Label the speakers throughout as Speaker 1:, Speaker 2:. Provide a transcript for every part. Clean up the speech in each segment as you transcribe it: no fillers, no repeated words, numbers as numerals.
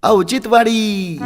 Speaker 1: औचित्यवाडी.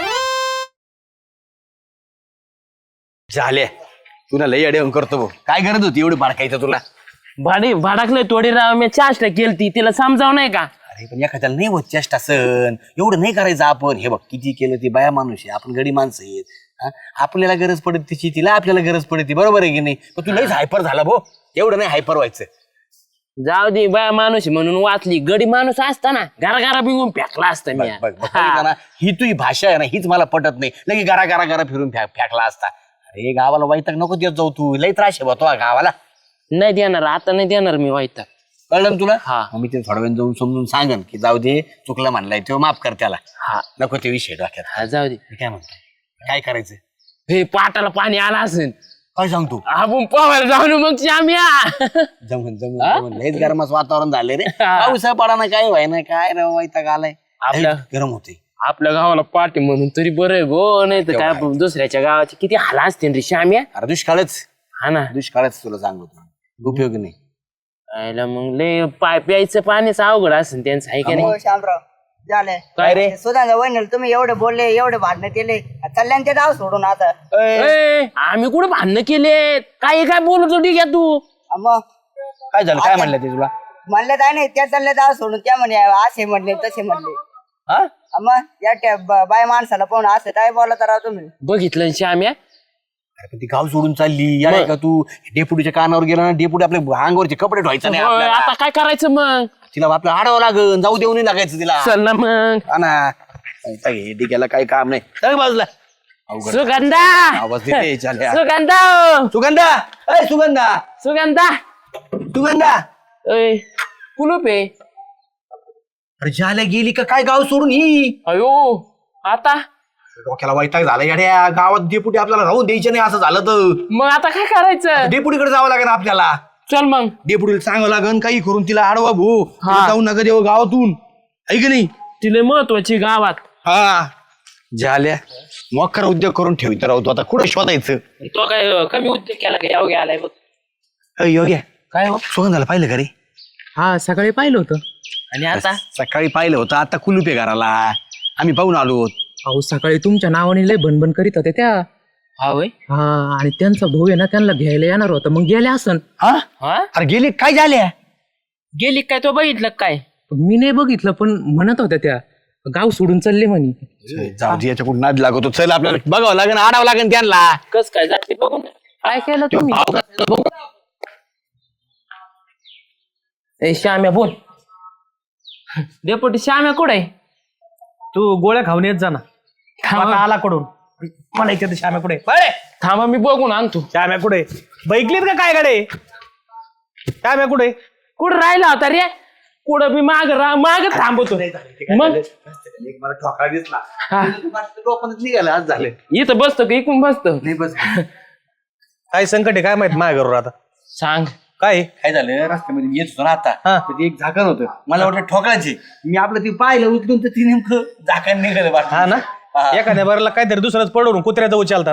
Speaker 2: झाले तुला लई अडवून करतो भाऊ. काय गरज होती एवढी बाडकायचं तुला?
Speaker 3: भाडाकलं थोडी राव मी चाष्टा केलती तिला समजाव नाही का.
Speaker 2: अरे पण एखाद्याला नाही होत चेष्टा सण एवढं नाही करायचं आपण. हे बघ किती केलं ती बाया माणूस आहे, आपण गडी माणसं आहेत. हा? आपल्याला गरज पडत तिची, तिला आपल्याला गरज पडते, बरोबर आहे की नाही? पण तू लईच हायपर झाला भाऊ. एवढं नाही हायपर व्हायचं.
Speaker 3: जाऊ दे बाया माणूस म्हणून वाचली. गडी माणूस असता ना घरा बिंगून फेकला असता मी.
Speaker 2: बघ, बघितलं ना? ही तुझी भाषा आहे ना, हीच मला पटत नाही. लगे गारा फिरून फेकला असता. अरे गावाला वैताग नको देत जाऊ तू. लई त्रास आहे बा गावाला.
Speaker 3: नाही देणार आता, नाही देणार मी वाईट.
Speaker 2: कळलं ना तुला?
Speaker 3: हा.
Speaker 2: मग मी ते थोड्या वेळ जाऊन समजून सांगन की जाऊ दे, चुकलं म्हणलाय तेव्हा माफ कर त्याला.
Speaker 3: हा
Speaker 2: नको ते विषय डोक्यात.
Speaker 3: हा जाऊ दे.
Speaker 2: मी काय म्हणतो, काय करायचं?
Speaker 3: हे पाटाला पाणी आला असेल
Speaker 2: काय सांगतो?
Speaker 3: आपण पोहायला जाऊन मग श्याम्या.
Speaker 2: जमून लयच गरमाच वातावरण झाले रे. पाऊसा पडा ना, काय व्हाय ना, काय रे वैताग आलाय.
Speaker 3: आपल्या-
Speaker 2: गरम होते.
Speaker 3: आपल्या गावाला पाठी म्हणून तरी बरं आहे गो. नाही तर काय दुसऱ्याच्या गावाचे किती हाला असते रे श्याम्या.
Speaker 2: अरे दुष्काळच
Speaker 3: हा ना.
Speaker 2: दुष्काळच तुला सांगतो. उपयोग नाही.
Speaker 3: आयला मग लय प्यायचं पाणीच अवघड असेल त्यांचं आहे का नाही.
Speaker 4: हो शामराव झालंय
Speaker 3: काय रे?
Speaker 4: सुधांचा वहिनी तुम्ही एवढे बोलले, एवढे भांडणं केले, चालल्यान ते डाव सोडून आता.
Speaker 3: ए, आम्ही कुठे भांडणं केले? काय काय बोलत होती का तू?
Speaker 4: मग
Speaker 2: काय झालं? काय म्हणलं ते तुला?
Speaker 4: म्हणलं काय नाही, त्या चालले डाव सोडून त्या म्हणे असे म्हणले तसे म्हणले.
Speaker 2: हा?
Speaker 4: मग या बाय माणसाला पाहून असं काय बोलत राहा तुम्ही.
Speaker 3: बघितलं श्याम्या.
Speaker 2: अरे पण ती गाव सोडून चालली यार का तू? डेपुटीच्या कानावर गेला ना, डेपुटी आपल्या अंगावरचे कपडे ठेवायचं नाही
Speaker 3: होय,
Speaker 2: आपल्याला.
Speaker 3: आता काय करायचं मग?
Speaker 2: तिला आपलं आडावं लागन, जाऊ देऊ नाही लागायचं तिला.
Speaker 3: चल ना मग.
Speaker 2: हा ना. हे डिग्याला काही काम नाही. चल बाजूला. अवघड.
Speaker 3: सुगंधा
Speaker 2: आवाज देते चालल्या.
Speaker 3: सुगंधा
Speaker 2: सुगंधा, अय सुगंधा,
Speaker 3: सुगंधा
Speaker 2: सुगंधा.
Speaker 3: ओय कुलूप आहे.
Speaker 2: अरे झाल्या गेली का काय गाव सोडून ही?
Speaker 3: अयो आता
Speaker 2: डोक्याला वैताग झाला येड्या. गावात डेपुटी आपल्याला राहून द्यायचे नाही असं झालं तर.
Speaker 3: मग आता काय करायचं?
Speaker 2: डेपुटीकडे जावं लागेल आपल्याला.
Speaker 3: चल मग.
Speaker 2: डेपुटीला सांगावं लागेल काही करून तिला आडवा भाऊ.
Speaker 3: हा.
Speaker 2: जाऊ नका देऊ गावातून, आहे की नाही?
Speaker 3: तिला महत्वाची गावात.
Speaker 2: हा झाल्या मोकर उद्योग करून ठेवित राहतो. आता कुठं शोधायचं?
Speaker 3: तो काय कमी उद्योग केला का? यावं आलाय बघ.
Speaker 2: योग्य काय सुगंधाला पाहिलं का रे?
Speaker 3: हा सकाळी पाहिलं होतं. आणि आता
Speaker 2: सकाळी पाहिलं होतं, आता कुलूप आहे घराला. आम्ही पाहून आलो.
Speaker 5: अहो सकाळी तुमच्या नावाने लय भनभन करीत होते त्या.
Speaker 3: हा वय.
Speaker 5: हा आणि त्यांचा भाऊ आहे ना, त्यांना घ्यायला येणार होता. मग गेल्या असन.
Speaker 2: हा?
Speaker 3: हा
Speaker 2: अरे गेली काय झाल्या?
Speaker 3: गेली काय? तो बघितलं काय?
Speaker 5: मी नाही बघितलं, पण म्हणत होत्या त्या गाव सोडून चालले म्हणे.
Speaker 2: जाऊ दे, याच्याकडून नाद लागतो. चल आपल्याला बघावं लागेल, आडावं लागेल त्यांना.
Speaker 3: कस काय जाते बघून. काय केलं तुम्ही? ए श्याम्या बोल. डेपुटी श्याम्या कुठे?
Speaker 6: तू गोळ्या खाऊन येत जा ना. आता आला कडून मला इथे श्याम्या कुठे?
Speaker 3: थांबा मी बघून आणतो.
Speaker 6: श्याम्या कुठे? बैकलीत का काय गाडे? श्याम्या कुठे?
Speaker 3: कुठं राहिला होता रे? कुठं मी माग थांबतो. मग
Speaker 2: मला ठोकळा दिसला.
Speaker 3: हा.
Speaker 2: निघाला आज झाले.
Speaker 3: इथं बसतो का इकडून बसतो?
Speaker 2: नाही बस.
Speaker 6: काय संकट आहे काय माहित माझ्या घरून आता?
Speaker 3: सांग.
Speaker 6: काय
Speaker 2: काय झालं, रस्त्यामध्ये मी येत होतो ना आता.
Speaker 6: हा.
Speaker 2: तर ते एक झाकण होतं, मला वाटलं ठोकळाचे. मी आपलं ते पाहिलं उचलून, तर ती नेमकं झाकण निघालं वाटतं.
Speaker 6: हा ना. एखाद्या बरला काहीतरी दुसरंच पडून कुत्र्याचं उचलता.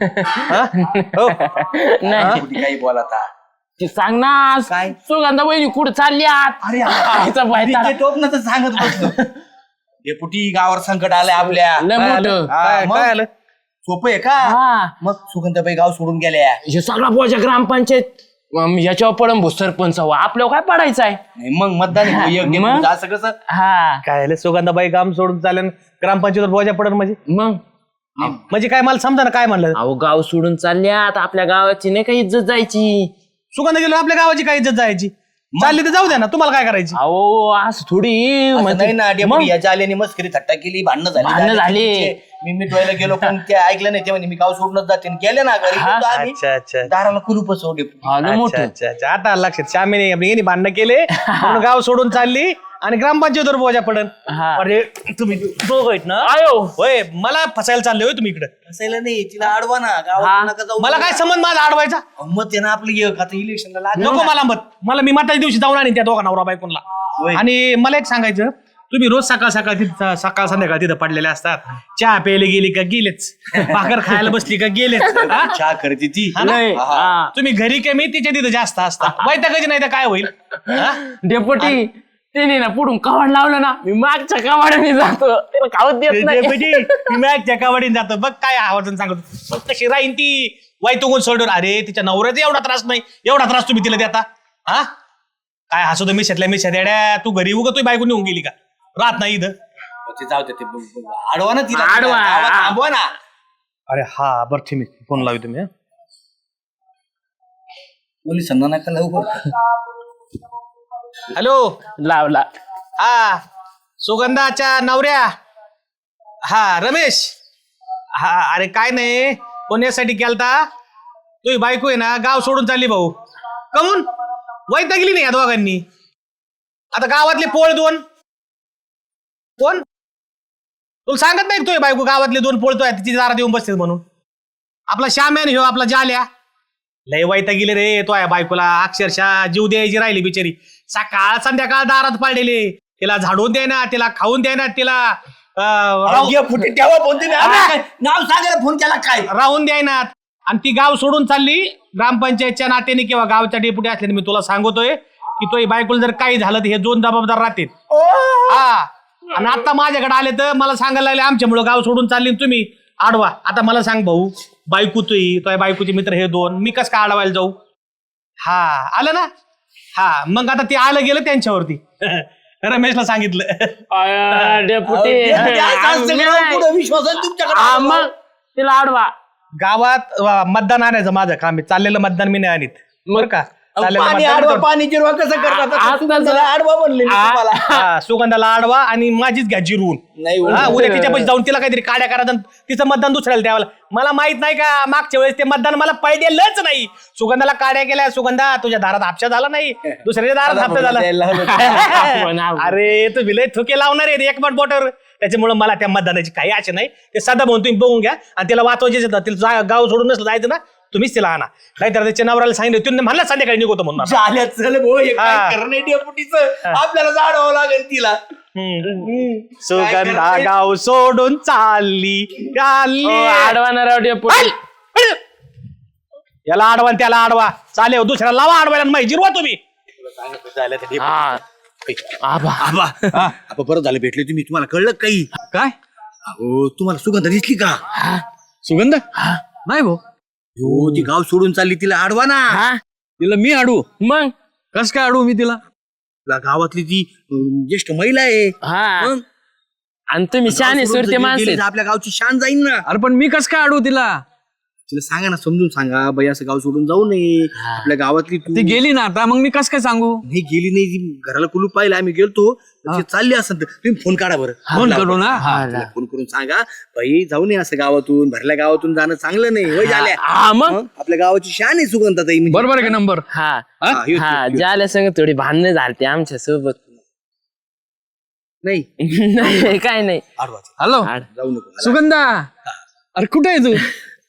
Speaker 6: हो
Speaker 3: नाही
Speaker 2: कुठे काही बोलाता.
Speaker 3: ते सांग ना.
Speaker 2: काय?
Speaker 3: सुगंधा वहिनी कुठं चालली आत?
Speaker 2: अरे
Speaker 3: आईचा बायता.
Speaker 2: टोपणं तर सांगत बसलो. डेपुटी गावावर संकट आलंय आपल्या.
Speaker 3: लय मोठं.
Speaker 2: हा, मग
Speaker 6: काय आलं?
Speaker 2: सोपं आहे का?
Speaker 3: हा.
Speaker 2: मग सुगंधाबाई गाव सोडून गेल्या.
Speaker 3: हे सगळा बोजा ग्रामपंचायत याच्यावर पडम सरपंच हवा. आपल्यावर काय पडायचं आहे?
Speaker 2: नाही, मग मतदान आहे. योग्य
Speaker 3: मग?
Speaker 2: म्हणजे असं कसं?
Speaker 3: हा
Speaker 6: काय आलं? सुगंधाबाई काम सोडून चालेल ग्रामपंचायतीवर बोजा पडन म्हणजे?
Speaker 3: मग
Speaker 6: म्हणजे काय मला समजा ना काय म्हणलं?
Speaker 3: अहो गाव सोडून चालल्यात. आपल्या गावाची नाही का इज्जत जायची.
Speaker 6: सुगंध गेलो आपल्या गावाची काय इज्जत जायची? चालली तर जाऊ द्या ना, तुम्हाला काय करायची?
Speaker 3: अहो असं थोडी
Speaker 2: असं
Speaker 3: म्हणजे-
Speaker 2: नाही ना.
Speaker 3: मग?
Speaker 2: डेपुटी याच्या आल्याने मस्करी थट्टा केली, भांडणं
Speaker 3: भांडणं झाली.
Speaker 2: मी मिटवायला गेलो, पण ते ऐकलं नाही. ते म्हणे मी गाव सोडूनच जाते. गेले ना घरी.
Speaker 3: हा.
Speaker 2: गेलो आम्ही.
Speaker 6: अच्छा अच्छा
Speaker 2: दाराला कुलूपच हो डेपुटी.
Speaker 3: आलं
Speaker 6: अच्छा
Speaker 3: मोठं.
Speaker 6: अच्छा अच्छा. आता आलं लक्षात. श्यामीने यांनी भांडणं केले म्हणून गाव सोडून चालली आणि ग्रामपंचायतीवर बोजा पडन.
Speaker 3: हा.
Speaker 6: अरे तुम्ही दोघं आहेत ना?
Speaker 3: आयो
Speaker 6: होय, मला फसायला चालले होय तुम्ही इकडे.
Speaker 2: असायला नाही, तिला अडवा ना.
Speaker 3: हा.
Speaker 2: गावात नका जाऊ.
Speaker 6: मला काय संबंध माझा अडवायचा?
Speaker 2: मत आहे ना आपलं. एक आता इलेक्शनला लागलं
Speaker 6: नको
Speaker 2: ना.
Speaker 6: मला मत. मला मी मताच्या दिवशी जाऊन आणि त्या दोघा नवरा बायकोनला.
Speaker 2: होय.
Speaker 6: आणि मला एक सांगायचं, तुम्ही रोज सकाळ सकाळ संध्याकाळ तिथं पडलेले असतात. चहा प्यायला गेली का गेलेच, भाकर खायला बसली का गेलेच. हा?
Speaker 2: चहा करते ती.
Speaker 6: हा ना?
Speaker 3: लय. हा.
Speaker 6: तुम्ही घरी कमी तिच्या तिथं जास्त असता. वैतागाची नाही तर काय होईल? हा?
Speaker 3: डेपुटी त्याने ना पुढून कवाड लावलं ना मी मागच्या कवाडाने जातो त्याला खाऊच देत नाही.
Speaker 6: मी मॅचच्या कबड्डीत जातो बघ काय आवाजून सांगतो बघ कशी राहीन ती वाईटून सोडून. अरे तिच्या नवऱ्याचा एवढा त्रास नाही, एवढा त्रास तुम्ही तिला देता हा? काय हसू तर मिशातल्या मिशात येड्या, तू घरी उगा तुझी बायको निघून गेली का? राहत नाही इथं.
Speaker 2: ते जाऊ दे, ते आडवा ना तिला,
Speaker 3: आडवा.
Speaker 2: गावात थांबवा ना.
Speaker 6: अरे हा बरं ठीक आहे, फोन लावी तुम्ही.
Speaker 2: पोलिसांना नका लवकर.
Speaker 6: हॅलो
Speaker 3: लावला.
Speaker 6: हा सुगंधाच्या नवऱ्या. हा रमेश. हा अरे काय नाही, कोण यासाठी केलता? तुझी बायको आहे ना गाव सोडून चालली भाऊ. कमून वैतागली नाही या दोघांनी. आता गावातले पोळ दोन कोण तुला सांगत नाही तुझी बायको गावातले दोन पोळतोय तिची दारात येऊन बसते म्हणून. आपला श्याम्यान ह्यो आपला जाल्या लय वैतागली रे तो या बायकोला. अक्षरशः जीव द्यायची राहिली बिचारी. सकाळ संध्याकाळ दारात पाडलेले, तिला झाडून द्यायना, तिला खाऊन द्यायना, तिला
Speaker 2: तेव्हा फोन तुम्ही नाव सांगायला फोन केला काय?
Speaker 6: राहून द्यायना. आणि ती गाव सोडून चालली ग्रामपंचायतच्या नात्याने किंवा गावच्या डेप्युटी असल्याने मी तुला सांगतोय की तो बायकोला जर काही झालं तर हे दोन जबाबदार राहतील. हा आणि आता माझ्याकडे आले तर मला सांगायला लागले आमच्यामुळे गाव सोडून चालली तुम्ही आडवा. आता मला सांग भाऊ, बायको तो बायकोचे मित्र हे दोन, मी कस काय आडवायला जाऊ? हा आलं ना. हा मग आता ते आलं गेलं त्यांच्यावरती. रमेशला सांगितलं.
Speaker 3: डेपुटी
Speaker 2: विश्वास आहे तुमच्याकडे.
Speaker 3: मग तिला आडवा.
Speaker 6: गावात मतदान आणायचं माझं काम आहे. चाललेलं मतदान मी नाही आणीत बरं का. चाललेलं
Speaker 2: पाणी
Speaker 6: मतदान
Speaker 2: आडवा,
Speaker 6: करतो.
Speaker 2: पाणी जिरवा कसं करतात? सुगंधाला आडवा बनले मी तुम्हाला.
Speaker 6: हा, सुगंधाला आडवा आणि माझीच घ्या जिरवून.
Speaker 2: नाही
Speaker 6: हा, उद्या तिच्यापाशी जाऊन तिला काहीतरी काड्या करा, तिचं मतदान दुसऱ्याला द्यावं. मला माहित नाही का मागच्या वेळेस ते मतदान मला पडलेलंच नाही. सुगंधाला काड्या केल्या. सुगंधा तुझ्या दारात हापशा झाला नाही, दुसऱ्याच्या दारात हापशा झाला. अरे तू विलय थुके लावणार आहे एक बोटावर. त्याच्यामुळे मला त्या मतदानाची काही आशा नाही. ते साधा म्हणून तुम्ही बघून घ्या आणि तिला वाचवायचे तिला गाव सोडून नसलं जायचं ना तुम्हीच तिला आणा. नाहीतर त्याच्या नवऱ्याला सांगितलं तुम्ही म्हणला संध्याकाळी निघतो म्हणून.
Speaker 2: झाल्या चल भाऊ, हे काय
Speaker 6: हा.
Speaker 2: करणं आहे डेपुटीचं? आपल्याला जाडवावं लागेल तिला.
Speaker 6: सुगंधा गाव सोडून चालली
Speaker 3: आडवा ना राव डेपुटी.
Speaker 6: याला आडवा आणि त्याला आडवा चालेल. दुसऱ्याला लावा आडवायला माहिती जिरवा तुम्ही.
Speaker 3: हा आबा
Speaker 2: आबा बरं झालं भेटले तुम्ही. तुम्हाला कळलं काही?
Speaker 5: काय
Speaker 2: अहो तुम्हाला सुगंधा दिसली का?
Speaker 5: सुगंध नाही भाऊ,
Speaker 2: हो ती गाव सोडून चालली, तिला आडवा ना.
Speaker 3: हा
Speaker 5: तिला मी अडू?
Speaker 3: मग
Speaker 5: कस काय अडू मी तिला?
Speaker 2: तुला गावातली ती ज्येष्ठ महिला आहे.
Speaker 3: हा
Speaker 2: मग?
Speaker 3: आणि तुम्ही शाने
Speaker 2: गाव सोडून
Speaker 3: सुरते
Speaker 2: जर
Speaker 3: माणसे.
Speaker 2: गेली तर आपल्या गावची शान जाईल ना.
Speaker 5: अरे पण मी कस काय अडू तिला?
Speaker 2: तिला सांगा ना, समजून सांगा बाई असं गाव सोडून जाऊ नये. आपल्या गावातली तू
Speaker 5: ती गेली ना आता, मग मी कस काय सांगू?
Speaker 2: नाही गेली नाही, ती घराला कुलूप पाहिलं आम्ही गेलतो. ती चालली असेल तर तुम्ही फोन काढा बरं.
Speaker 5: फोन करू ना.
Speaker 2: तिला फोन करून सांगा बाई जाऊ नये असं गावातून, भरल्या गावातून जाणं चांगलं नाही. होय झाल्या
Speaker 3: हा मग
Speaker 2: आपल्या गावाची शान आहे सुगंधाताई. म्हणजे
Speaker 5: बरोबर आहे का नंबर?
Speaker 3: हा
Speaker 2: ह्यो,
Speaker 3: हा
Speaker 2: ह्यो.
Speaker 3: ज्याला संग थोडी भांडणं झालते आमच्या सोबत.
Speaker 2: नाही
Speaker 3: नाही काय नाही.
Speaker 2: आडवा
Speaker 5: हॅलो
Speaker 2: जाऊ नको.
Speaker 5: सुगंधा, अरे कुठे आहे तू?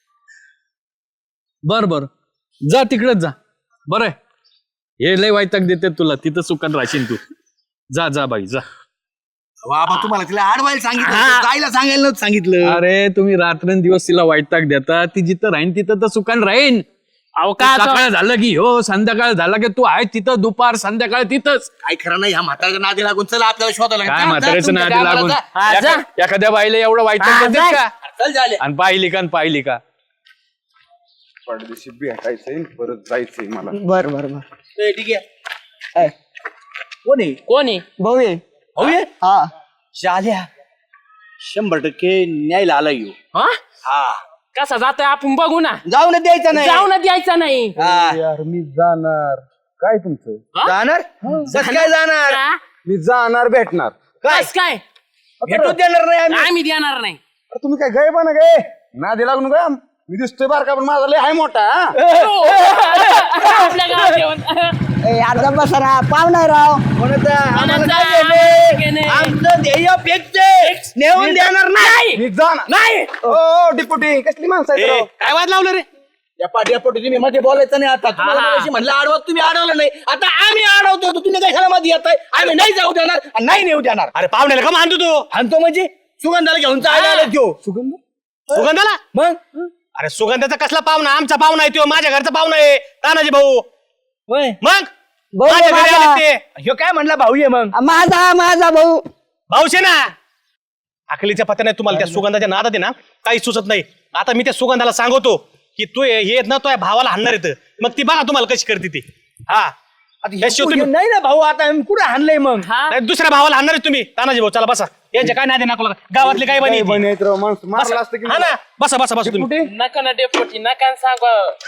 Speaker 5: बर बर जा तिकडेच जा. बरं आहे, हे लय वायताक देते तुला, तिथं सुखात राहशील तू. जा जा बाई जा.
Speaker 2: बाबा तुम्हाला तिला आडवायला सांगितलं होतं, जायला सांगायला नव्हतं सांगितलं.
Speaker 5: अरे तुम्ही रात्रंदिवस तिला वायताक देता, ती जिथं राहीन तिथं तर सुखान राहीन.
Speaker 3: अहो का आता-
Speaker 5: सकाळ झालं की हो, संध्याकाळ झाला की तू आहे तिथं, दुपार संध्याकाळ तिथंच.
Speaker 2: काय खरं नाही ह्या म्हाताऱ्याच्या नादी लागून. चला आपल्याला शोधायला
Speaker 5: काय
Speaker 2: जा, जा,
Speaker 5: म्हाताऱ्याचं
Speaker 2: तुमच्या
Speaker 5: नादी
Speaker 2: गावाला
Speaker 5: लागून
Speaker 2: जा.
Speaker 3: हा, जा.
Speaker 5: एखाद्या बाईला एवढं वाईटाक
Speaker 3: हा,
Speaker 5: देतेस
Speaker 3: जा.
Speaker 5: का?
Speaker 2: चल झाले.
Speaker 5: आणि पाहिली का
Speaker 1: परदेशी भेटायचंय, परत जायचंय मला.
Speaker 4: बर बर बर.
Speaker 2: ए, ठीक आहे. कोण आहे?
Speaker 3: कोण आहे?
Speaker 4: भाऊ ये.
Speaker 2: भाऊ आहे?
Speaker 4: हा
Speaker 2: झाल्या 100% न्यायला आला येऊ.
Speaker 3: हा
Speaker 2: हा
Speaker 3: कसा जातोय आपण बघू ना.
Speaker 2: जाऊ ना द्यायचं नाही.
Speaker 3: जाऊ ना द्यायचा नाही.
Speaker 2: हा.
Speaker 1: यार मी जाणार. काय तुमचं?
Speaker 2: जाणार कस काय जाणार?
Speaker 3: का?
Speaker 1: मी जाणार भेटणार.
Speaker 2: काय
Speaker 3: कस काय
Speaker 2: भेटू देणार नाही आम्ही.
Speaker 3: आम्ही देणार नाही.
Speaker 1: अरे तुम्ही काय गय पण गे नादी लागून का? मी दिसतोय बारका पण माझा लय हाय मोठा.
Speaker 3: आपल्या गावात येऊन.
Speaker 4: ए, अर्धा बसरा पाहुणा राव.
Speaker 2: कोणाचा? आम्हाला
Speaker 3: कोणाचा?
Speaker 2: काय
Speaker 3: आम्हाला
Speaker 2: भेटे?
Speaker 3: नाही.
Speaker 2: आमचं ध्येय फिक्स नेऊन देणार नाही.
Speaker 1: मी जाणार
Speaker 3: नाही.
Speaker 1: ओ डिप्युटी कसली माणसं आहेत राव?
Speaker 6: काय वाद लावलं रे?
Speaker 2: या पाठी तुम्ही मध्ये बोलायचं नाही. आता तुम्हाला मगाशी म्हणलं आडवत, तुम्ही अडवलं नाही. आता आम्ही अडवतो, तुम्ही कशाला मध्ये येताय? आम्ही नाही जाऊ देणार आणि नाही नेऊ देणार.
Speaker 6: अरे पाहुण्याला का मानतो तू?
Speaker 2: आणतो म्हणजे सुगंधाला घेऊन जायला आलो त्यो.
Speaker 6: सुगंधाला?
Speaker 2: मग
Speaker 6: अरे सुगंधाचा कसला पाहुणा? आमचा पाहुणा आहे तो, माझ्या घरचा पाहुणा आहे तानाजी भाऊ.
Speaker 2: होय.
Speaker 6: मग माझ्या घरी आले ते ह्यो काय म्हणला भाऊ ये मग
Speaker 4: माझा भाऊ
Speaker 6: भाऊशे ना अकलीच्या पत्या नाही तुम्हाला त्या सुगंधाच्या नादात आहे ना काही सुचत नाही. आता मी त्या सुगंधाला सांगतो की तू हे येत ना तो भावाला हाणणार येतं मग ती बघा तुम्हाला कशी करते ती. हा
Speaker 1: नाही ना भाऊ आता कुठे हाणलंय मग
Speaker 6: नाही, दुसऱ्या भावाला हाणणार आहे तुम्ही. तानाजी भाऊ चला बसा. यांच्या काय नाही नाकोला गावातले काय बनी
Speaker 1: मारला असतं की
Speaker 6: हा ना बसा बसा बसा तुम्ही
Speaker 3: नका ना डेपोटी नका सांग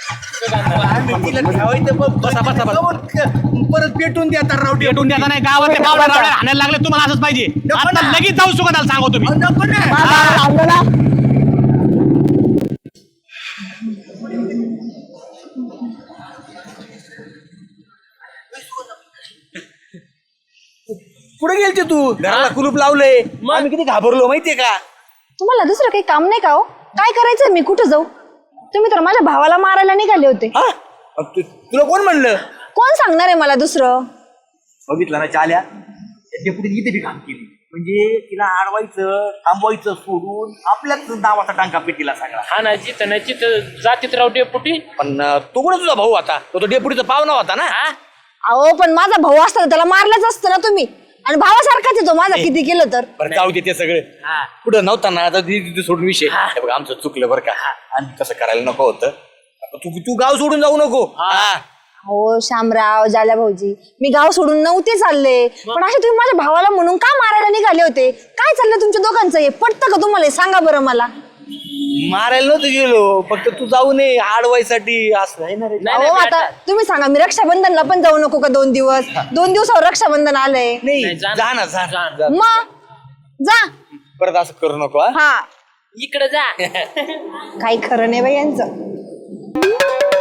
Speaker 6: बसा बसा बसा
Speaker 1: परत पेटून द्या राव
Speaker 6: भेटून द्या नाही गावातले भावड्या रावड्या हाणायला लागले तुम्हाला असंच पाहिजे. आता लगेच जाऊ सुगंधाला सांगतो तुम्ही.
Speaker 2: कुठे गेलते तू घराला कुलूप लावलंय आम्ही किती घाबरलो माहितीये का.
Speaker 7: तुम्हाला दुसरं काही काम नाही का हो? काय करायचं मी कुठं जाऊ? तुम्ही तर माझ्या भावाला मारायला निघाले होते.
Speaker 2: हा तुला कोण म्हणलं.
Speaker 7: कोण सांगणार आहे मला दुसरं?
Speaker 2: बघितलं ना चाल्या डेपुटी इथे बी काम केली म्हणजे तिला अडवायचं थांबवायचं सोडून आपल्याच नावाचा टांका पेटीला सगळा.
Speaker 3: हा ना जिथं नाही तिथं जातीत राव डेपुटी.
Speaker 2: पण तो कोण तुझा भाऊ आता तो डेपुटीचा पाहुणा होता ना.
Speaker 7: अहो पण माझा भाऊ असता तर त्याला मारलंच असतं ना तुम्ही. आणि भावासारखाच आहे तो माझा किती केलं तर.
Speaker 2: बरं जाऊ दे ते सगळं कुठं नव्हता ना आता तिथे सोडून विषय. हे बघ आमचं चुकलं बरं का आणि तसं करायला नको होतं. तू गाव सोडून जाऊ नको.
Speaker 7: हो शामराव जाल्या भाऊजी मी गाव सोडून नव्हते चालले पण असे तुम्ही माझ्या भावाला म्हणून का मारायला निघाले होते? काय चाललं तुमच्या दोघांचं हे पटतं का तुम्हाला? सांगा बरं मला.
Speaker 2: मारायला नव्हतं गेलो फक्त तू जाऊ नये आडवायसाठी असं आहे ना रे.
Speaker 7: अहो आता तुम्ही सांगा मी रक्षाबंधनला पण जाऊ नको का? 2 दिवस 2 दिवसावर रक्षाबंधन आलंय.
Speaker 2: नाही जा ना जा
Speaker 7: मग जा
Speaker 2: परत असं करू नको.
Speaker 7: हा
Speaker 3: इकडे जा
Speaker 7: काही खरं नाही बाई यांचं.